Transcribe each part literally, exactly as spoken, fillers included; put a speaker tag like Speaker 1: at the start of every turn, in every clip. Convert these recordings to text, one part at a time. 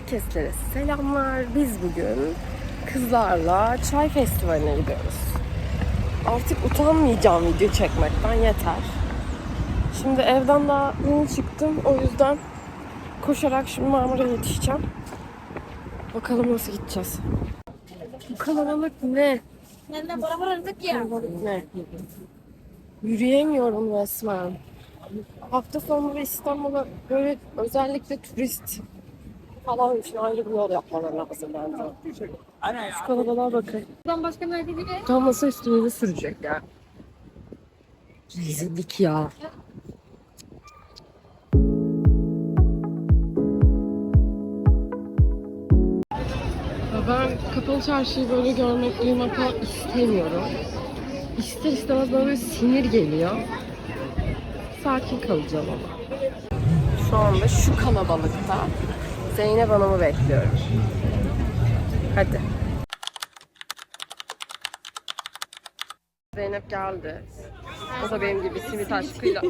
Speaker 1: Herkeslere selamlar. Biz bugün kızlarla çay festivaline gidiyoruz. Artık utanmayacağım video çekmekten, yeter. Şimdi evden daha yeni çıktım. O yüzden koşarak şimdi Marmara'ya yetişeceğim. Bakalım nasıl gideceğiz. Bu kalabalık ne? Kalabalık ne? Yürüyemiyorum resmen. Hafta sonları İstanbul'a böyle özellikle turist falan için ayrı bir yol yapmaları lazım bence. Şu kalabalığa bakın.
Speaker 2: Buradan başka nerede biri?
Speaker 1: Tam masa üstümüze sürecek ya. Rezillik ya. Ya ben kapalı çarşıyı böyle görmek, duymak falan istemiyorum. İster istemez bana böyle sinir geliyor. Sakin kalacağım ama. Şu anda şu kalabalıkta Zeynep Hanım'ı bekliyorum. Hadi. Zeynep geldi. O da benim gibi simit aşkıyla.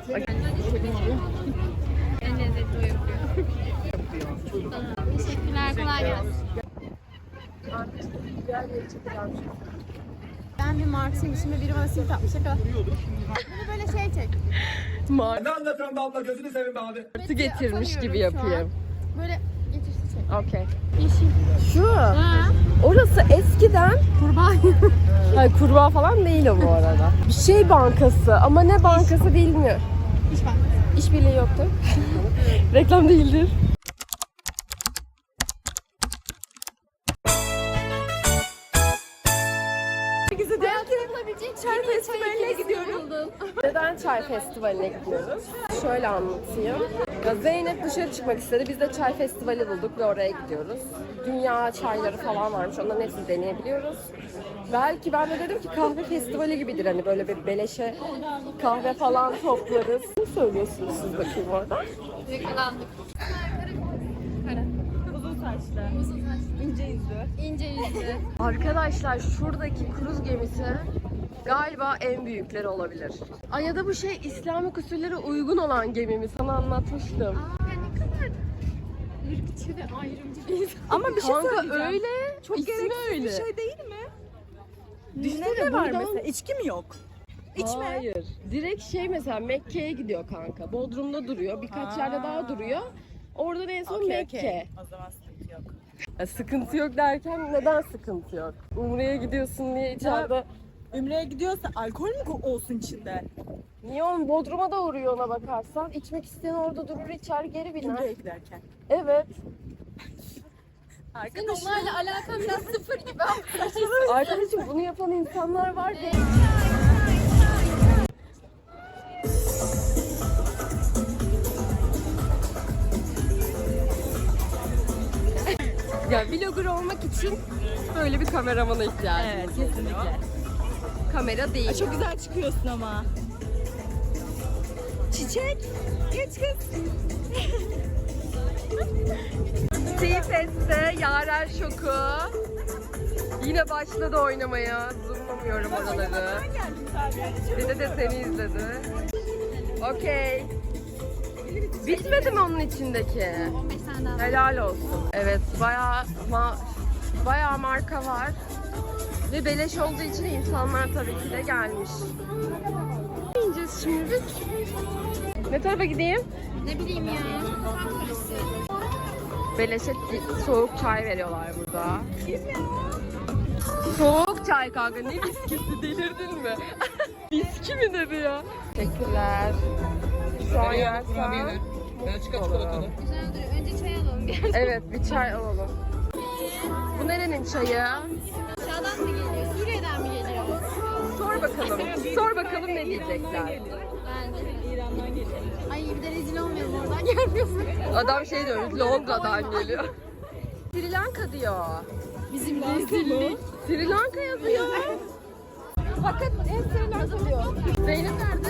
Speaker 2: En lezzetli o yapıyor. Teşekkürler, kolay gelsin. Ben bir martıyım, şimdi biri bana simit atmış. Bunu böyle şey çek.
Speaker 1: Martı
Speaker 3: Ne anlatıyorsun be abla, gözünü seveyim be abi.
Speaker 1: getirmiş gibi yapayım.
Speaker 2: Böyle getirsin çek.
Speaker 1: Okey.
Speaker 2: Yeşil.
Speaker 1: Şu.
Speaker 2: Ha.
Speaker 1: Orası eskiden
Speaker 2: Kurbağa.
Speaker 1: hayır, kurbağa falan değil o bu arada. Bir şey bankası ama ne bankası bilmiyorum.
Speaker 2: İş bak.
Speaker 1: İşbirliği yoktu. Reklam değildir.
Speaker 2: Çay festivaline gidiyorum.
Speaker 1: Neden çay festivaline gidiyoruz? Şöyle anlatayım. Ya Zeynep dışarı çıkmak istedi. Biz de çay festivali bulduk ve oraya gidiyoruz. Dünya çayları falan varmış. Onların hepsini deneyebiliyoruz. Belki ben de dedim ki kahve festivali gibidir. Hani böyle bir beleşe kahve falan toplarız. Ne söylüyorsunuz siz bakayım orada?
Speaker 2: Yakalandık. Uzun saçlı. Uzun saçlı. İnce yüzlü. İnce yüzlü.
Speaker 1: Arkadaşlar şuradaki kruz gemisi galiba en büyükleri olabilir. Ay ya da bu şey İslami usullere uygun olan gemi mi? Sana anlatmıştım.
Speaker 2: Aa, ne kadar ırkçı ve ayrımcı bir insan.
Speaker 4: Ama bir şey
Speaker 1: Kanka
Speaker 4: söyleyeceğim.
Speaker 1: öyle.
Speaker 4: Çok
Speaker 1: ismi
Speaker 4: gereksiz
Speaker 1: öyle.
Speaker 4: bir şey değil mi?
Speaker 1: Düşünsene
Speaker 4: Ne var
Speaker 1: buradan-
Speaker 4: mesela? İçki mi yok? İçme.
Speaker 1: Hayır. Direkt şey mesela Mekke'ye gidiyor kanka. Bodrum'da duruyor. Birkaç
Speaker 4: Aa.
Speaker 1: yerde daha duruyor. Oradan en son
Speaker 4: Okey,
Speaker 1: Mekke.
Speaker 4: okey. O zaman sıkıntı yok.
Speaker 1: Ya sıkıntı yok derken neden sıkıntı yok? Umre'ye gidiyorsun diye içeride.
Speaker 4: Ümre'ye gidiyorsa alkol mü ko- olsun içinde?
Speaker 1: Niye oğlum Bodrum'a da uğruyor ona bakarsan. İçmek isteyen orada durur içer geri biner.
Speaker 4: Ümre'ye giderken.
Speaker 1: Evet.
Speaker 4: Arkadaşlar.
Speaker 2: Onlarla alakam biraz sıfır gibi ama.
Speaker 1: Arkadaşım bunu yapan insanlar var diye. Ya vlogger olmak için böyle bir kameramana ihtiyacım
Speaker 4: Evet,
Speaker 1: var.
Speaker 4: kesinlikle.
Speaker 1: Kamera değil.
Speaker 4: Ay, çok güzel çıkıyorsun ama. Çiçek. Geç kız.
Speaker 1: T-Fest'te Yaren Şoku yine başladı oynamaya. Zoomlamıyorum oraları.
Speaker 4: Ben geldim tabii.
Speaker 1: Bir de, de seni izledi. Okey. Bitmedi mi onun içindeki?
Speaker 2: on beş tane daha.
Speaker 1: Helal olsun. Evet, bayağı ma bayağı marka var. Ve beleş olduğu için insanlar tabii ki de gelmiş. Ne yiyeceğiz şimdi biz? Ne tarafa gideyim?
Speaker 2: Ne bileyim ya.
Speaker 1: Beleşe soğuk çay veriyorlar burada. Soğuk çay kanka, ne bisküvisi, delirdin mi? Bisküvi mi dedi ya? Teşekkürler. Şu an yersen mutlu olurum.
Speaker 2: Güzel duruyor. Önce çay alalım.
Speaker 1: Evet, bir çay alalım. Bu nerenin çayı?
Speaker 2: Aşağıdan mı geliyor? Suriye'den mi geliyor?
Speaker 1: Sor bakalım. Sor bakalım ne diyecekler.
Speaker 2: Bence. İran'dan geliyor. Ay bir de rezil olmayalım oradan gelmiyorsun.
Speaker 1: Adam şey diyor, Londra'dan geliyor. Sri Lanka diyor.
Speaker 2: Bizim rezillik.
Speaker 1: Sri Lanka yazıyor. Fakat en Sri Lanka diyor. Zeynep nerede?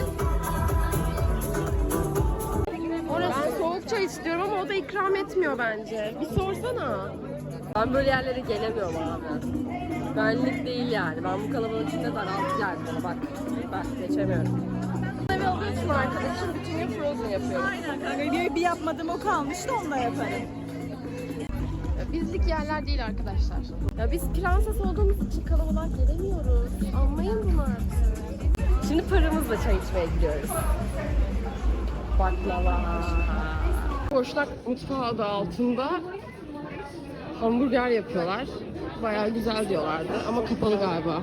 Speaker 1: Ben soğuk çay istiyorum ama o da ikram etmiyor bence. Bir sorsana. Ben böyle yerlere gelemiyorum abi. Benlik değil yani. Ben bu kalabalığın içinde daraltı geldim. Bak, bak geçemiyorum. Eve alıyorsun arkadaşım, bütün gün frozen yapıyorum.
Speaker 4: Aynen kanka. Bir, bir yapmadığım o kalmıştı, onu da yaparım.
Speaker 2: bizlik yerler değil arkadaşlar.
Speaker 1: Ya biz prenses olduğumuz için kalabalık gelemiyoruz. Anlayın bunu artık. Şimdi paramızla çay içmeye gidiyoruz. Baklava. Boşnak mutfağı adı altında hamburger yapıyorlar. Bayağı güzel diyorlardı ama kapalı galiba.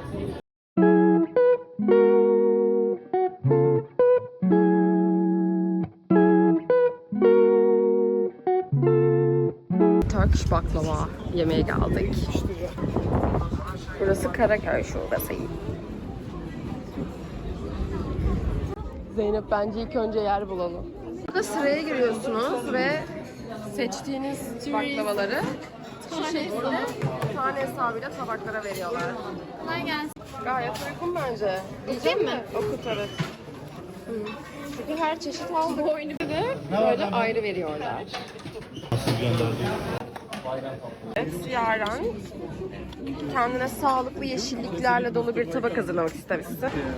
Speaker 1: Turkish baklava yemeye geldik. Burası Karaköy şubesi. Zeynep bence ilk önce yer bulalım. Burada sıraya giriyorsunuz ve seçtiğiniz baklavaları şu şekilde tane hesabıyla tabaklara veriyorlar.
Speaker 2: Kolay gelsin.
Speaker 1: Gayet uygun bence. Diyecek mi? Okut evet. Hı. Çünkü her çeşit aldık. Bu oyunu de böyle ayrı veriyorlar. Evet, Yaren kendine sağlıklı yeşilliklerle dolu bir tabak hazırlamak istemişsin.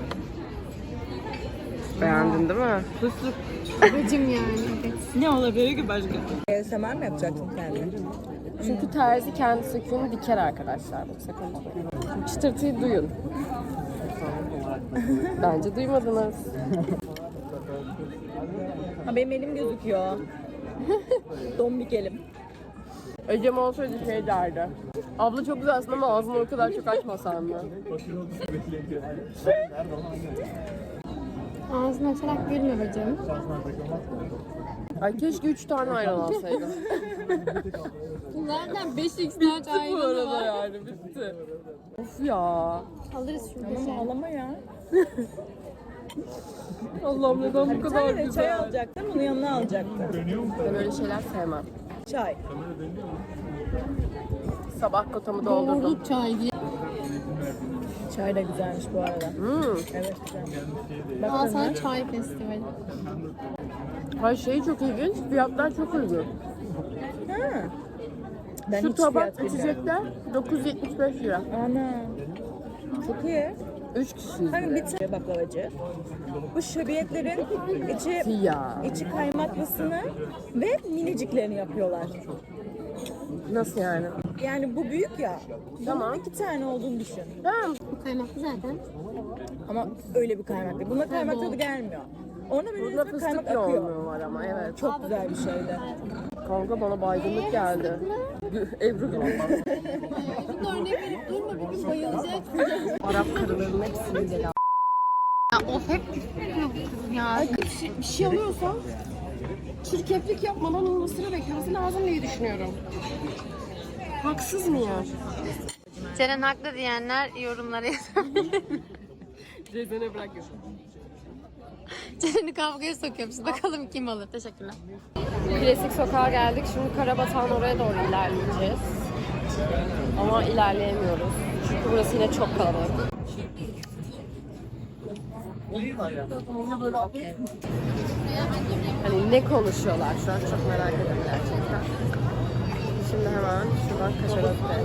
Speaker 1: Beğendin değil mi?
Speaker 2: Babacım yani. Evet.
Speaker 4: Ne olabilir ki başka? A S M R mi yapacaksın kendin?
Speaker 1: Çünkü terzi kendi söküğünü diker arkadaşlar. Bu sakın. Çıtırtıyı duyun. Bence duymadınız.
Speaker 4: Ha, benim elim gözüküyor. Dombik elim.
Speaker 1: Ecem olsaydı şey derdi. Abla çok güzelsin ama ağzını o kadar çok açmasan mı?
Speaker 2: Ağzını açarak gülme bacım.
Speaker 1: Ay keşke üç tane ayran alsaydım.
Speaker 2: Nereden beş x'ler
Speaker 1: Bu arada yani bitti. Of ya.
Speaker 2: Alırız şurada
Speaker 4: Ama
Speaker 2: şey.
Speaker 4: ağlama ya.
Speaker 1: Allah'ım neden bu
Speaker 4: Bir
Speaker 1: kadar
Speaker 4: tane de çay
Speaker 1: güzel.
Speaker 4: alacaktım, bunu yanına alacaktım.
Speaker 1: Ben böyle şeyler sevmem.
Speaker 4: Çay.
Speaker 1: Sabah kotamı doldurdum.
Speaker 2: Doğruluk çay diye.
Speaker 4: Çay da güzelmiş bu arada.
Speaker 1: Hmm.
Speaker 4: Evet güzel.
Speaker 2: Al
Speaker 4: Baktın
Speaker 2: sana
Speaker 4: mı?
Speaker 2: çay festivali.
Speaker 1: Ay şey çok ilginç. Fiyatlar çok uygun.
Speaker 4: Ha. Ben
Speaker 1: Şu
Speaker 4: hiç
Speaker 1: tabak
Speaker 4: fiyat bilmiyorum.
Speaker 1: içecekler dokuz yüz yetmiş beş lira.
Speaker 4: Ana. Çok iyi.
Speaker 1: üç kişiyiz.
Speaker 4: Hani bir tane baklavacı. Bu şöbiyetlerin içi
Speaker 1: Ya.
Speaker 4: içi kaymaklısını ve miniciklerini yapıyorlar.
Speaker 1: Nasıl yani?
Speaker 4: Yani bu büyük ya.
Speaker 1: Tamam.
Speaker 4: Bunun iki tane olduğunu düşün.
Speaker 1: Tamam.
Speaker 2: Bu kaymaklı zaten.
Speaker 4: Ama öyle bir kaymak değil. Bunda kaymak
Speaker 2: bu.
Speaker 4: tadı gelmiyor. Ona böyle
Speaker 1: Burada
Speaker 4: resmen kaymak
Speaker 1: fıstık
Speaker 4: akıyor.
Speaker 1: yoğunluğu var ama evet.
Speaker 4: Çok güzel bir şeydi.
Speaker 1: Kanka bana baygınlık geldi. Ebru gibi.
Speaker 2: Bunun örnek verip durma bir gün bayılacaksın.
Speaker 1: Arap karılarının hepsini de
Speaker 2: Ya of hep küfür kız ya.
Speaker 1: bir şey, bir şey alıyorsan çirkeflik yapmadan olmasını beklemesi lazım diye düşünüyorum. Haksız mıyım?
Speaker 2: Ceren haklı diyenler yorumlara yazabilir.
Speaker 1: Cezene bırakıyorum.
Speaker 2: Ceren'i kavgaya sokuyormuşuz. Bakalım kim alır. Teşekkürler.
Speaker 1: Klasik sokağa geldik. Şimdi Karabasan oraya doğru ilerleyeceğiz. Ama ilerleyemiyoruz. Çünkü burası yine çok kalabalık. Hani ne konuşuyorlar şu an çok merak ediyorum gerçekten. Şimdi hemen şuradan kaşarotla.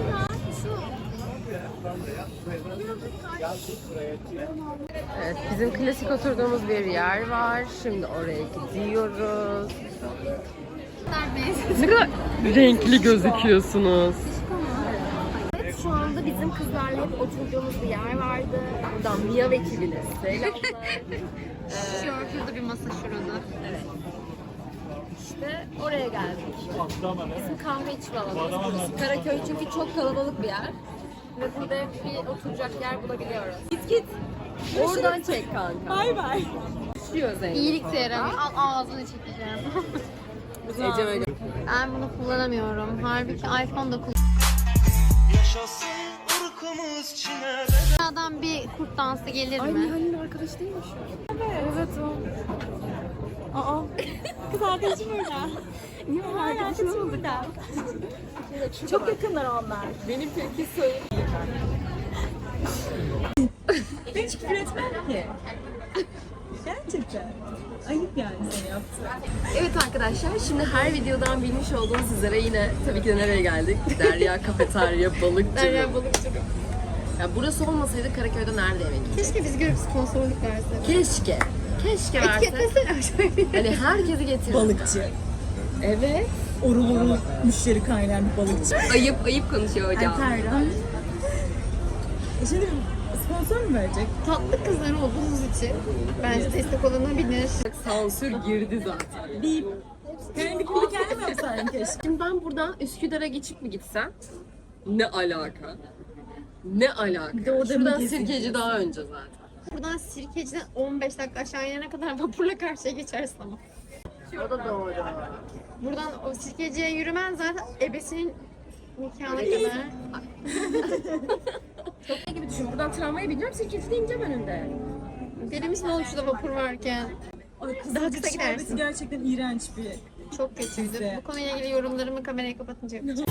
Speaker 1: Evet, bizim klasik oturduğumuz bir yer var. Şimdi oraya gidiyoruz. Ne kadar renkli gözüküyorsunuz. Evet, şu anda bizim kızlarla hep oturduğumuz bir yer vardı. Buradan Mia vekiliniz. Selamlar.
Speaker 2: Şurada bir masa şurada.
Speaker 1: İşte oraya geldik. Bizim kahve içme alanımız burası. Karaköy çünkü çok kalabalık bir yer. Ve burada bir oturacak yer bulabiliyoruz. Git git. Oradan çek kanka.
Speaker 4: Bay bay.
Speaker 1: Düşüyor Zeynep.
Speaker 2: İyilik de yaramıyor. Al ağzını çekeceğim.
Speaker 1: Ece öyle.
Speaker 2: Ben bunu kullanamıyorum. Halbuki iPhone'da kullanıyorum.
Speaker 5: Yaşasın ırkımız Çin'e
Speaker 2: Dünyadan bir kurt dansı gelir
Speaker 1: Ay
Speaker 2: mi?
Speaker 1: Nihal'in arkadaşı değil mi şu? Evet o.
Speaker 4: Aa. Kız arkadaşım orada. Niye arkadaşım burada? Çok yakınlar onlar.
Speaker 1: Benim peki söyle.
Speaker 4: Ben hiç küfür etmem ki. Gerçekten. Ayıp yani seni yaptı.
Speaker 1: Evet arkadaşlar şimdi her videodan bilmiş olduğunuz sizlere yine tabii ki de nereye geldik? Derya Kafeterya Balıkçı.
Speaker 2: Derya Balıkçı.
Speaker 1: Ya burası olmasaydı Karaköy'de nerede yemek yiyecektik?
Speaker 2: Keşke biz görüp sponsorluk verse.
Speaker 1: Keşke. Keşke verse.
Speaker 2: Etiketlesene şöyle.
Speaker 1: Hani herkesi getirirdi.
Speaker 4: Balıkçı.
Speaker 1: Evet.
Speaker 4: orul orul müşteri kaynayan bir balıkçı.
Speaker 1: Ayıp ayıp konuşuyor hocam.
Speaker 4: Pardon. E şimdi sponsor mu verecek?
Speaker 2: Tatlı kızlar olduğunuz için bence destek olunabilir.
Speaker 1: Sansür girdi zaten.
Speaker 4: Bir yani bir kulu kendim yapsaydım keşke.
Speaker 1: Şimdi ben buradan Üsküdar'a geçip mi gitsem? Ne alaka? Ne alaka?
Speaker 4: de orada
Speaker 1: Şuradan
Speaker 4: mı gezeyim?
Speaker 1: Sirkeci daha önce zaten.
Speaker 2: Buradan Sirkeci'den on beş dakika aşağı inene kadar vapurla karşıya geçersin ama.
Speaker 1: O da doğru.
Speaker 2: Buradan o Sirkeci'ye yürümen zaten ebesinin nikahına kadar.
Speaker 1: Ne gibi düşün. Buradan tramvaya bineceğim, Sirkeci'de ineceğim önünde.
Speaker 2: Deli misin oğlum şurada vapur varken?
Speaker 4: Ay
Speaker 2: Daha
Speaker 4: kızılcık
Speaker 2: kısa
Speaker 4: şerbeti
Speaker 2: gidersin.
Speaker 4: gerçekten iğrenç bir.
Speaker 2: Çok kötüydü.
Speaker 4: Güzel.
Speaker 2: Bu konuyla ilgili yorumlarımı kamerayı kapatınca yapacağım.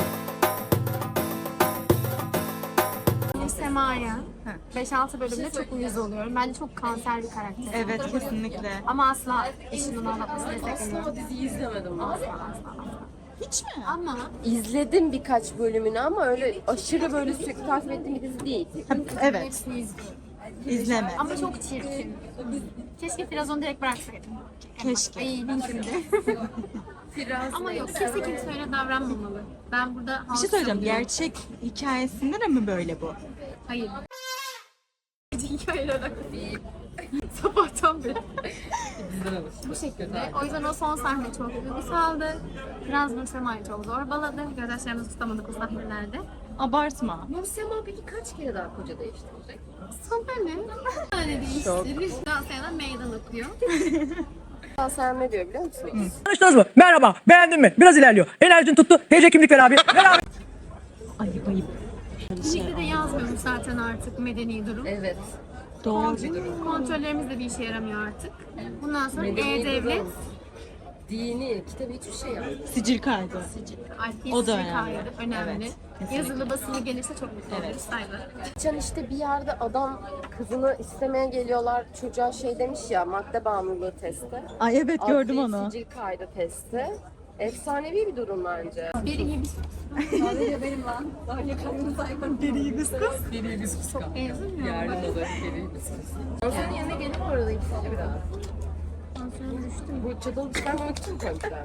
Speaker 2: Sema'ya beş altı bölümde çok uyuz oluyorum. Bence çok kanser bir karakter.
Speaker 4: Evet kesinlikle.
Speaker 2: Ama asla eşinin anlatmasını desteklemiyorum.
Speaker 1: Diziyi izlemedim ben.
Speaker 4: Hiç mi?
Speaker 2: Ama
Speaker 1: İzledim birkaç bölümünü ama öyle aşırı böyle sürekli takip ettiğim bir dizi değil.
Speaker 4: Evet.
Speaker 2: hepsini izliyorum.
Speaker 4: İzleme.
Speaker 2: Ama çok çirkin. Keşke Firazon'u direkt bıraksaydım.
Speaker 4: Keşke.
Speaker 2: Ay linkimde. Ama yok kesin kimse öyle davranmamalı. Ben burada
Speaker 4: Bir şey söyleyeceğim. Gerçek hikayesinde de mi böyle bu?
Speaker 2: Hayır. Hikayeyle alakalı değil. Sabahtan beri. Bu şekilde. O yüzden o son sahne çok duygusaldı. Biraz Nur Sema'yı çok zorbaladı. Gözyaşlarımızı tutamadık o sahnelerde.
Speaker 4: Abartma.
Speaker 1: Nur Sema peki kaç kere daha koca değiştirecek?
Speaker 2: Sonra ne? Öyle değiştirir. Daha sonra meydan okuyor.
Speaker 1: Sen ne diyor biliyor musunuz?
Speaker 3: Tanıştınız mı? Merhaba. Beğendin mi? Biraz ilerliyor. Enerjin tuttu. T C kimlik ver abi. Ver abi.
Speaker 4: Ayıp ayıp.
Speaker 2: Kimlikte de yazmıyormuş zaten artık medeni durum.
Speaker 1: Evet.
Speaker 4: Doğru.
Speaker 2: Kontrollerimiz de bir işe yaramıyor artık. Bundan sonra
Speaker 1: Medeni
Speaker 2: E-Devlet,
Speaker 1: durum. Dini, kitabı hiçbir şey yok.
Speaker 4: Sicil kaydı.
Speaker 2: adli
Speaker 4: O da
Speaker 2: sicil
Speaker 4: önemli.
Speaker 2: kaydı önemli.
Speaker 4: Evet, kesinlikle.
Speaker 2: Yazılı basılı gelirse çok mutlu
Speaker 4: Evet.
Speaker 2: oluruz. Saygılar.
Speaker 1: Geçen işte bir yerde adam kızını istemeye geliyorlar. Çocuğa şey demiş ya, madde bağımlılığı testi.
Speaker 4: Ay evet gördüm
Speaker 1: Adli
Speaker 4: onu.
Speaker 1: sicil kaydı testi. Efsanevi bir durum bence.
Speaker 2: Biri gibi sadece benim lan. Daha yakamını sayfanı.
Speaker 4: Biri gibi kız.
Speaker 2: Çok benzemiyor.
Speaker 1: olur. Senin yerine gelir mi orada ikisi biraz?
Speaker 2: Tansiyonum düştü.
Speaker 1: Bu çatalı çıkarmamak için koymuşlar.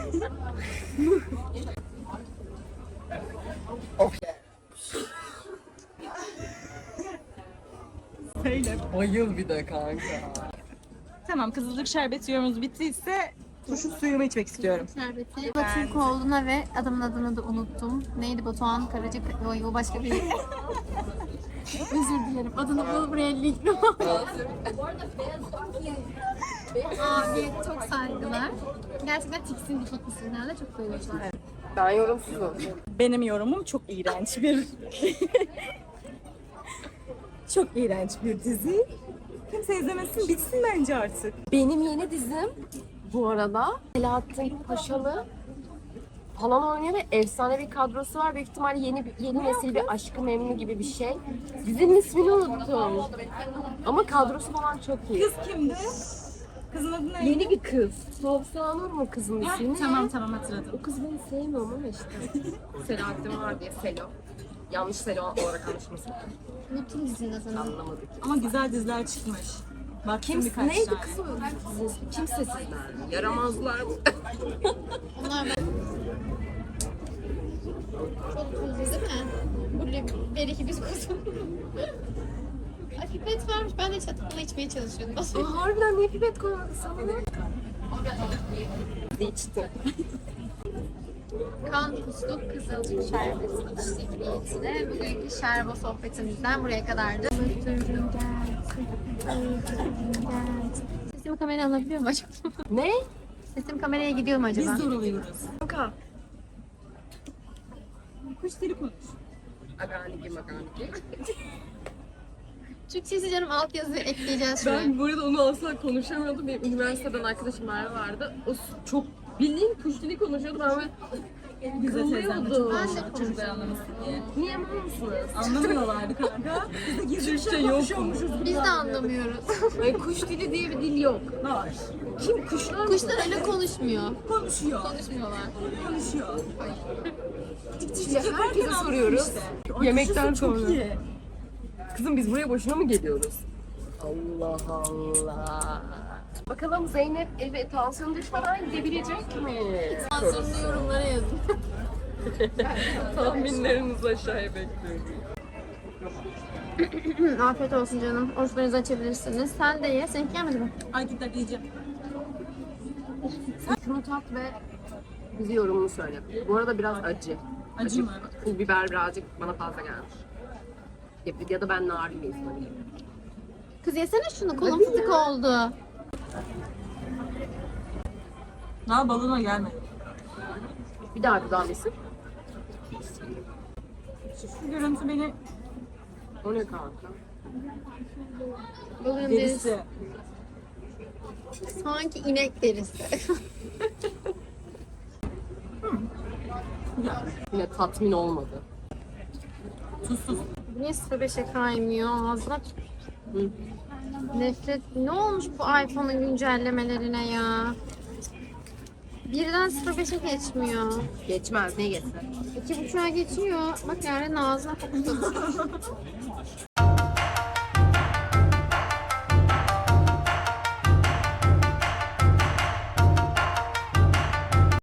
Speaker 4: Söyle.
Speaker 1: Bayıl bir de kanka.
Speaker 4: Tamam kızılcık şerbeti yorumumuz bittiyse turşu suyumu içmek istiyorum.
Speaker 2: Şerbeti. Türkoğlu'na ve adamın adını da unuttum. Neydi Batuhan Karaca? Oy, o başka bir... Özür dilerim. Adını bul buraya linkle. Abi çok saygılar. Gerçekten tiksindik ikisinden de çok koyuyorlar.
Speaker 1: Ben yorumsuzum.
Speaker 4: Benim yorumum çok iğrenç bir... çok iğrenç bir dizi. Kimse izlemesin, bitsin bence artık.
Speaker 1: Benim yeni dizim bu arada Selahattin Paşalı falan oynuyor ve efsane bir kadrosu var. Büyük ihtimalle yeni yeni nesil bir Aşk-ı Memnu gibi bir şey. Dizinin ismini unuttum. Ama kadrosu falan çok iyi.
Speaker 4: Kız kimdi? Kızın adı neydi?
Speaker 1: Yeni bir kız. Hafsa Nur mu kızın ismi?
Speaker 4: Tamam tamam hatırladım.
Speaker 1: O kız beni sevmiyor ama işte. Selahattin var diye Selo. Yanlış Selo olarak anlaşılmasın.
Speaker 2: Unuttum dizinin adını.
Speaker 1: Anlamadık.
Speaker 4: Ama güzel diziler çıkmış. Baktım
Speaker 1: Kim,
Speaker 4: birkaç
Speaker 1: neydi
Speaker 4: tane.
Speaker 1: kızım? Kimsesizler. Yaramazlar mı?
Speaker 2: Bunlar ben... Çok tuzlu değil mi? Böyle beriki biz kusum. Ay pipet varmış. Ben de çatıkla içmeye çalışıyordum.
Speaker 1: Aa, harbiden niye pipet koymadı sana? İçtim.
Speaker 2: Kan kustuk kızılcık şerbeti içtik niyetine. Bugünkü şerbo sohbetimizden buraya kadardı. Sesimi kameraya alabiliyor mu acaba?
Speaker 1: Ne?
Speaker 2: Sesim kameraya gidiyor mu acaba?
Speaker 4: Biz zorluyoruz.
Speaker 1: Kanka.
Speaker 4: Kuş dili konuş.
Speaker 1: Aganiki maganiki.
Speaker 2: Türkçesi canım altyazı ekleyeceğiz şuraya.
Speaker 1: Ben bu arada onu asla konuşamıyordum. Benim üniversiteden arkadaşım Merve vardı. O s- çok bildiğin kuş dili konuşuyordu. Ben böyle
Speaker 4: Güzel teyzem de çok
Speaker 2: Ben de
Speaker 4: konuşuyor. Çocuklar anlamasın diye.
Speaker 1: niye mal mısınız?
Speaker 4: Anlamıyorlardı kanka. Biz de gizli bir şey konuşuyormuşuz.
Speaker 2: Biz de anlamıyoruz.
Speaker 1: Ay, kuş dili diye bir dil yok.
Speaker 4: Var.
Speaker 1: Kim kuşlar?
Speaker 2: Kuşlar öyle konuşmuyor.
Speaker 4: Konuşuyor.
Speaker 2: Konuşmuyorlar.
Speaker 4: Konuşuyor.
Speaker 1: Ya herkese soruyoruz.
Speaker 4: Ay,
Speaker 1: Yemekten
Speaker 4: kuşu çok
Speaker 1: sonra.
Speaker 4: iyi.
Speaker 1: Kızım biz buraya boşuna mı geliyoruz? Allah Allah. Bakalım Zeynep eve tansiyon düşmeden gidebilecek mi?
Speaker 2: Tansiyonlu yorumlara yazın.
Speaker 1: Tahminlerinizi aşağıya bekliyorum.
Speaker 2: Afiyet olsun canım. Oruçlarınızı açabilirsiniz. Sen de ye. Seninki gelmedi mi?
Speaker 4: Ay git hadi yiyeceğim.
Speaker 1: Şunu tat ve bizi yorumunu söyle. Bu arada biraz acı.
Speaker 4: Acı mı?
Speaker 1: Pul biber birazcık bana fazla gelmiş. Ya, ya da ben narin bir insanım.
Speaker 2: Kız yesene şunu. Kolum fıtık oldu.
Speaker 4: Daha balına gelme.
Speaker 1: Bir daha güzel misin?
Speaker 4: Şu görüntü beni
Speaker 1: O ne kanka?
Speaker 2: Balığın derisi.
Speaker 4: delisi.
Speaker 2: Sanki inek derisi.
Speaker 1: Yine tatmin olmadı.
Speaker 4: Tuzsuz.
Speaker 2: Niye sıfır beşe kaymıyor? Ağzına
Speaker 1: Hı.
Speaker 2: nefret. Ne olmuş bu iPhone'un güncellemelerine ya? Birden sıfır beşe geçmiyor.
Speaker 1: Geçmez, niye geçsin?
Speaker 2: İki buçuğa geçiyor. Bak Yaren'in ağzına kokusu.